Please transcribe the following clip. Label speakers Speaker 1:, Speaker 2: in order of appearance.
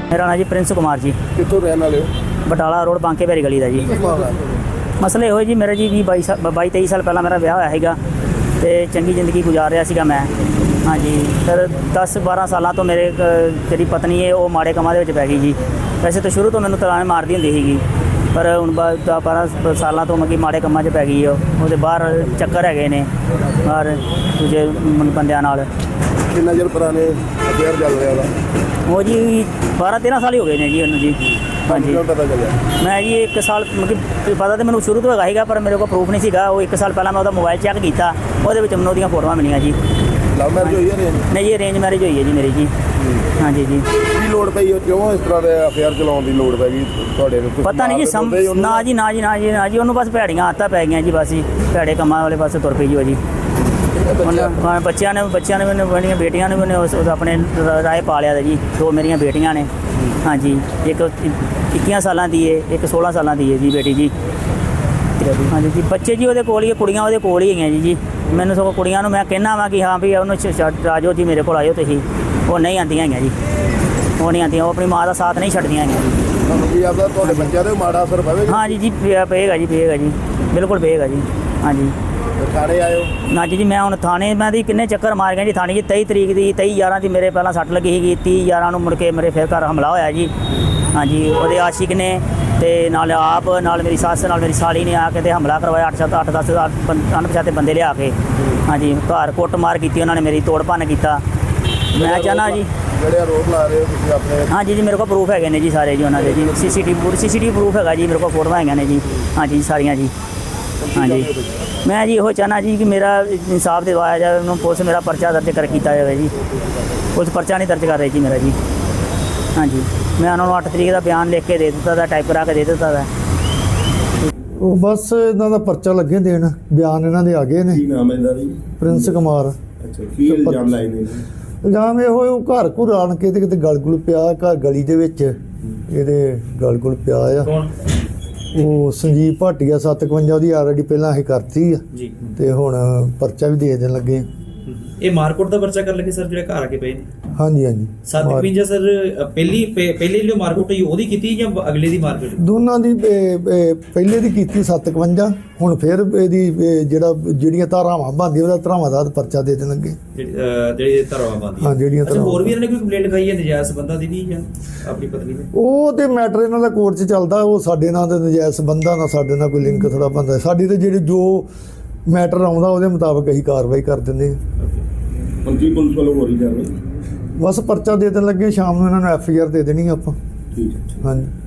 Speaker 1: मेरा नाम जी प्रिंस कुमार जी,
Speaker 2: ਕਿੱਥੋਂ ਰਹਿਣ ਵਾਲੇ ਹੋ?
Speaker 1: ਬਟਾਲਾ ਰੋਡ ਬਾਂਕੇ ਭੈਰੀ ਗਲੀ ਦਾ ਜੀ। ਮਸਲੇ ਇਹੋ ਜੀ, ਮੇਰਾ ਜੀ 22-23 ਸਾਲ ਪਹਿਲਾਂ ਮੇਰਾ ਵਿਆਹ ਹੋਇਆ ਸੀਗਾ ਤੇ ਚੰਗੀ ਜ਼ਿੰਦਗੀ ਗੁਜ਼ਾਰ ਰਿਹਾ ਸੀਗਾ ਮੈਂ। ਹਾਂਜੀ, ਫਿਰ 10-12 ਸਾਲਾਂ ਤੋਂ ਮੇਰੇ ਜਿਹੜੀ ਪਤਨੀ ਹੈ ਉਹ ਮਾੜੇ ਕੰਮਾਂ ਦੇ ਵਿੱਚ ਪੈ ਗਈ ਜੀ। ਵੈਸੇ ਤਾਂ ਸ਼ੁਰੂ ਤੋਂ ਮੈਨੂੰ ਤਲਾਣੇ ਮਾਰਦੀ ਹੁੰਦੀ ਸੀਗੀ, ਪਰ ਹੁਣ 10-12 ਸਾਲਾਂ ਤੋਂ ਮਤਲਬ ਕਿ ਮਾੜੇ ਕੰਮਾਂ 'ਚ ਪੈ ਗਈ ਉਹਦੇ ਬਾਹਰ ਚੱਕਰ ਹੈਗੇ ਨੇ ਬਾਹਰ ਦੂਜੇ ਬੰਦਿਆਂ ਨਾਲ।
Speaker 2: ਕਿੰਨਾ ਚਿਰ ਪੁਰਾਣੇ ਅਫੇਅਰ ਚੱਲ ਰਿਹਾ ਵਾ?
Speaker 1: ਉਹ ਜੀ 12-13 ਸਾਲ ਹੀ ਹੋ ਗਏ ਨੇ ਜੀ ਉਹਨੂੰ ਜੀ। ਹਾਂਜੀ,
Speaker 2: ਕਿਉਂ ਪਤਾ ਚੱਲਿਆ?
Speaker 1: ਮੈਂ ਜੀ 1 ਸਾਲ ਮਤਲਬ ਪਤਾ ਤਾਂ ਮੈਨੂੰ ਸ਼ੁਰੂ ਤੋਂ ਹੈਗਾ ਸੀਗਾ, ਪਰ ਮੇਰੇ ਕੋਲ ਪ੍ਰੂਫ ਨਹੀਂ ਸੀਗਾ। ਉਹ 1 ਸਾਲ ਪਹਿਲਾਂ ਮੈਂ ਉਹਦਾ ਮੋਬਾਈਲ ਚੈੱਕ ਕੀਤਾ, ਉਹਦੇ ਵਿੱਚ ਮੈਨੂੰ ਉਹਦੀਆਂ ਫੋਟੋਆਂ ਮਿਲੀਆਂ ਜੀ।
Speaker 2: ਲਵ ਮੈਰਿਜ ਹੋਈ ਹੈ ਰੇਂਜ?
Speaker 1: ਨਹੀਂ ਜੀ, ਅਰੇਂਜ ਮੈਰਿਜ ਹੋਈ ਹੈ ਜੀ ਮੇਰੀ ਜੀ। ਹਾਂਜੀ ਜੀ।
Speaker 2: ਕੀ ਲੋੜ ਪਈ ਉਹ, ਕਿਉਂ ਇਸ ਤਰ੍ਹਾਂ ਦੇ ਅਫੇਅਰ ਚਲਾਉਣ ਦੀ ਲੋੜ ਪੈ ਗਈ ਤੁਹਾਡੇ ਨੂੰ?
Speaker 1: ਪਤਾ ਨਹੀਂ ਜੀ, ਨਾ ਜੀ ਉਹਨੂੰ ਬਸ ਭੈੜੀਆਂ ਆਦਤਾਂ ਪੈ ਗਈਆਂ ਜੀ। ਬਸ ਜੀ ਭੈੜੇ ਕੰਮਾਂ ਵਾਲੇ ਪਾਸੇ ਤੁਰ ਪਈ ਜੀ ਉਹ ਜੀ। ਬੱਚਿਆਂ ਨੇ ਮੈਨੂੰ, ਮੇਰੀਆਂ ਬੇਟੀਆਂ ਨੇ ਮੈਨੂੰ ਆਪਣੇ ਰਾਏ ਪਾ ਲਿਆ ਜੀ। 2 ਮੇਰੀਆਂ ਬੇਟੀਆਂ ਨੇ। ਹਾਂਜੀ, ਇੱਕ 21 ਸਾਲਾਂ ਦੀ ਹੈ, ਇੱਕ 16 ਸਾਲਾਂ ਦੀ ਹੈ ਜੀ ਬੇਟੀ ਜੀ। ਹਾਂਜੀ ਜੀ, ਬੱਚੇ ਜੀ ਉਹਦੇ ਕੋਲ ਹੀ, ਕੁੜੀਆਂ ਉਹਦੇ ਕੋਲ ਹੀ ਹੈਗੀਆਂ ਜੀ। ਮੈਨੂੰ ਸਗੋਂ ਕੁੜੀਆਂ ਨੂੰ ਮੈਂ ਕਹਿਣਾ ਵਾ ਕਿ ਹਾਂ ਵੀ ਉਹਨੂੰ ਰਾਜੋ ਜੀ ਮੇਰੇ ਕੋਲ ਆਇਓ ਤੁਸੀਂ। ਉਹ ਨਹੀਂ ਆਉਂਦੀਆਂ ਹੈਗੀਆਂ ਜੀ, ਉਹ ਨਹੀਂ ਆਉਂਦੀਆਂ। ਉਹ ਆਪਣੀ ਮਾਂ ਦਾ ਸਾਥ ਨਹੀਂ ਛੱਡਦੀਆਂ ਹੈਗੀਆਂ ਜੀ।
Speaker 2: ਤੁਹਾਨੂੰ ਕੀ ਆਪਦਾ ਤੁਹਾਡੇ ਬੱਚਿਆਂ ਤੇ ਮਾੜਾ ਅਸਰ ਪਵੇਗਾ?
Speaker 1: ਹਾਂਜੀ ਜੀ, ਪਏਗਾ ਜੀ, ਬਿਲਕੁਲ ਪਏਗਾ ਜੀ। ਹਾਂਜੀ,
Speaker 2: ਥਾਣੇ ਆਇਓ?
Speaker 1: ਨਾ ਜੀ ਮੈਂ ਹੁਣ ਥਾਣੇ ਮੈਂ ਦੀ ਕਿੰਨੇ ਚੱਕਰ ਮਾਰ ਗਿਆ ਜੀ ਥਾਣੇ ਜੀ। 23 ਤਰੀਕ ਦੀ 23/11 ਦੀ ਮੇਰੇ ਪਹਿਲਾਂ ਸੱਟ ਲੱਗੀ ਸੀਗੀ। 30/11 ਨੂੰ ਮੁੜ ਕੇ ਮੇਰੇ ਫਿਰ ਘਰ ਹਮਲਾ ਹੋਇਆ ਜੀ। ਹਾਂਜੀ, ਉਹਦੇ ਆਸ਼ਿਕ ਨੇ ਤੇ ਨਾਲ ਆਪ, ਨਾਲ ਮੇਰੀ ਸੱਸ, ਨਾਲ ਮੇਰੀ ਸਾਲੀ ਨੇ ਆ ਕੇ ਤੇ ਹਮਲਾ ਕਰਵਾਇਆ। 8-10 ਅਣਪਛਾਤੇ ਬੰਦੇ ਲਿਆ ਕੇ। ਹਾਂਜੀ, ਘਰ ਕੁੱਟਮਾਰ ਕੀਤੀ ਉਹਨਾਂ ਨੇ, ਮੇਰੀ ਤੋੜ ਭੰਨ ਕੀਤਾ। ਮੈਂ ਚਾਹੁੰਦਾ ਜੀ,
Speaker 2: ਜਿਹੜੇ ਆਰੋਪ ਲਾ ਰਹੇ ਹੋ ਤੁਸੀਂ ਆਪਣੇ?
Speaker 1: ਹਾਂਜੀ ਜੀ, ਮੇਰੇ ਕੋਲ ਪ੍ਰੂਫ ਹੈਗੇ ਨੇ ਜੀ ਸਾਰੇ ਜੀ ਉਹਨਾਂ ਦੇ ਜੀ। CCTV ਪ੍ਰੂਫ ਹੈਗਾ ਜੀ ਮੇਰੇ ਕੋਲ, ਫੋਟੋਆਂ ਹੈਗੀਆਂ ਨੇ ਜੀ। ਹਾਂਜੀ ਸਾਰੀਆਂ ਜੀ। ਹਾਂਜੀ, ਮੈਂ ਜੀ ਇਹੋ ਚਾਹੁੰਦਾ ਜੀ ਕਿ ਮੇਰਾ ਇਨਸਾਫ ਦਿਵਾਇਆ ਜਾਵੇ। ਉਹਨੂੰ ਪੁਲਿਸ ਮੇਰਾ ਪਰਚਾ ਦਰਜ ਕੀਤਾ ਜਾਵੇ ਜੀ। ਪੁਲਿਸ ਪਰਚਾ ਨਹੀਂ ਦਰਜ ਕਰ ਰਹੀ ਜੀ ਮੇਰਾ ਜੀ। ਹਾਂਜੀ, ਮੈਂ ਉਹਨਾਂ ਨੂੰ 8 ਤਰੀਕ ਦਾ ਬਿਆਨ ਲਿਖ ਕੇ ਦੇ ਦਿੱਤਾ ਦਾ, ਟਾਈਪ ਕਰਾ ਕੇ ਦੇ ਦਿੱਤਾ ਦਾ।
Speaker 3: ਉਹ ਬਸ ਇਹਨਾਂ ਦਾ ਪਰਚਾ ਲੱਗੇ ਦੇਣ, ਬਿਆਨ ਇਹਨਾਂ ਦੇ ਆ ਗਏ ਨੇ।
Speaker 2: ਕੀ ਨਾਮ ਹੈ ਇਹਦਾ ਜੀ?
Speaker 3: ਪ੍ਰਿੰਸ ਕੁਮਾਰ।
Speaker 2: ਅੱਛਾ, ਕੀ ਇਲਜ਼ਾਮ ਲਾਏ ਨੇ?
Speaker 3: ਇਲਜ਼ਾਮ ਇਹੋ ਉਹ ਘਰ ਘੁਰ ਆਣ ਕੇ ਤੇ ਕਿਤੇ ਗਲਗੁਲ ਪਿਆ, ਘਰ ਗਲੀ ਦੇ ਵਿੱਚ ਇਹਦੇ ਗਲਗੁਲ ਪਿਆ ਆ।
Speaker 4: ਕੌਣ?
Speaker 3: ਉਹ ਸੰਜੀਵ ਭਾਟੀਆ 57 ਉਹਦੀ ਆਲਰੇਡੀ ਪਹਿਲਾਂ ਅਸੀਂ ਕਰਤੀ ਆ
Speaker 4: ਜੀ।
Speaker 3: ਤੇ ਹੁਣ ਪਰਚਾ ਵੀ ਦੇ ਦੇਣ ਲੱਗੇ।
Speaker 4: ਇਹ ਮਾਰਕੋਟ ਦਾ ਪਰਚਾ ਕਰ ਲਗੇ ਸਰ, ਜਿਹੜੇ ਘਰ ਆ ਕੇ ਪਏ ਨੇ?
Speaker 3: ਹਾਂਜੀ ਹਾਂਜੀ।
Speaker 4: 752 ਸਰ, ਪਹਿਲੀ ਜੋ ਮਾਰਕੋਟ ਹੋਈ ਉਹਦੀ ਕੀਤੀ ਜਾਂ ਅਗਲੇ ਦੀ ਮਾਰਕੀਟ?
Speaker 3: ਦੋਨਾਂ ਦੀ ਪਹਿਲੇ ਦੀ ਕੀਤੀ 57, ਹੁਣ ਫਿਰ ਇਹਦੀ ਜਿਹੜੀਆਂ ਧਾਰਾਵਾਂ ਬਣਦੀਆਂ ਉਹਦਾ ਧਾਰਾਵਾਂ ਦਾ ਪਰਚਾ ਦੇ ਦੇਣ ਲੱਗੇ।
Speaker 4: ਜਿਹੜੇ ਧਰਵਾ ਬੰਦੀ?
Speaker 3: ਹਾਂ, ਜਿਹੜੀਆਂ
Speaker 4: ਅੱਛਾ, ਹੋਰ ਵੀ ਇਹਨਾਂ ਨੇ ਕੋਈ ਕੰਪਲੇਂਟ ਲਿਖਾਈ ਹੈ ਨਜਾਇਜ਼ ਸੰਬੰਧਾਂ ਦੀ ਵੀ ਜਾਂ ਆਪਣੀ ਪਤਨੀ ਦੇ?
Speaker 3: ਉਹ ਤੇ ਮੈਟਰ ਇਹਨਾਂ ਦਾ ਕੋਰਟ 'ਚ ਚੱਲਦਾ। ਉਹ ਸਾਡੇ ਨਾਲ ਤਾਂ ਨਜਾਇਜ਼ ਸੰਬੰਧਾਂ ਨਾਲ ਸਾਡੇ ਨਾਲ ਕੋਈ ਲਿੰਕ ਥੋੜਾ ਬਣਦਾ। ਸਾਡੀ ਤੇ ਜਿਹੜੇ ਜੋ ਮੈਟਰ ਆਉਂਦਾ ਉਹਦੇ ਮੁਤਾਬਕ ਅਸੀਂ ਕਾਰਵਾਈ ਕਰ ਦਿੰਦੇ ਹਾਂ।
Speaker 2: ਹੁਣ ਕੀ ਪੁਲਿਸ ਵੱਲੋਂ ਹੋ ਰਹੀ ਜਾਵੇ?
Speaker 3: ਬਸ ਪਰਚਾ ਦੇ ਦੇਣ ਲੱਗੇ, ਸ਼ਾਮ ਨੂੰ ਇਹਨਾਂ ਨੂੰ FIR ਦੇ ਦੇਣੀ ਆਪਾਂ।
Speaker 2: ਠੀਕ ਹੈ।
Speaker 3: ਹਾਂਜੀ।